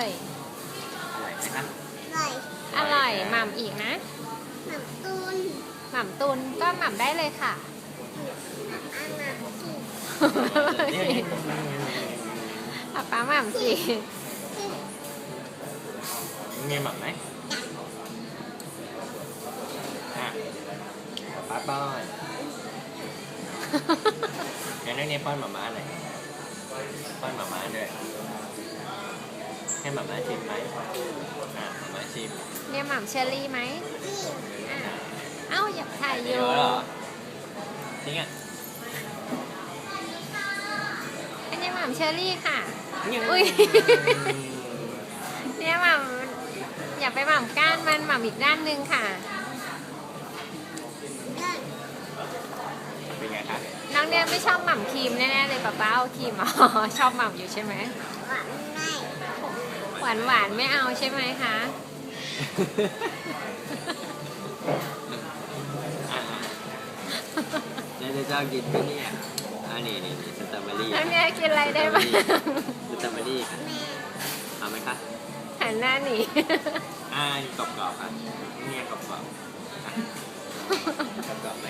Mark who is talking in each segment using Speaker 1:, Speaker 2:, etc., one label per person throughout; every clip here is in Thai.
Speaker 1: ย
Speaker 2: อร่อยไหมครับ
Speaker 1: อร่อยหม่ำอีกนะหม่ำตุนก็หม่ำได้เลยค่ะป้าหม่ำสิ
Speaker 2: มีหม่ำไหมป้าป้อนงั้นนักเรียนป้อนหม่าม่าหน่อยป้อนหม่าม่าด้วยให้หม่าม่าชิมไหมหม่าม่าชิม
Speaker 1: เนี่ยหม่ำเชอรี่ไหมเอ้าอยากถ่ายอยู่
Speaker 2: จริงอ่ะ
Speaker 1: อันนี้หม่ำเชอรี่ค่ะอุ้ยเนี่ยหม่ำอย่าไปหม่ำก้านมันหม่ำอีกด้านหนึ่งค่ะ
Speaker 2: เป็นไงคะ
Speaker 1: น้องเนี่ยไม่ชอบหม่ำครีมแน่ๆเลยป้าเอาครีมชอบหม่ำอยู่ใช่ไหมหวานไม่เอาใช่ไหมคะ
Speaker 2: เนี่ยจะชอบกินที่นี่นี่สตรอเบอรี่
Speaker 1: น้องเนี่ยกินอะไรได้บ้าง
Speaker 2: สตรอเบอรี่ค่ะเอาไหมคะ
Speaker 1: หันหน้าหนี
Speaker 2: กรอบๆค่ะเนี่ยกรอบไหม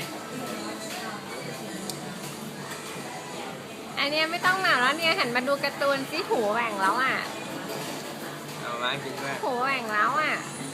Speaker 1: อันนี้ไม่ต้องหนาวแล้วเนี่ยหันมาดูการ์ตูนสิหูแหว่งแล้วอ่ะ
Speaker 2: เอามากินด้วย
Speaker 1: หูแหว่งแล้วอ่ะ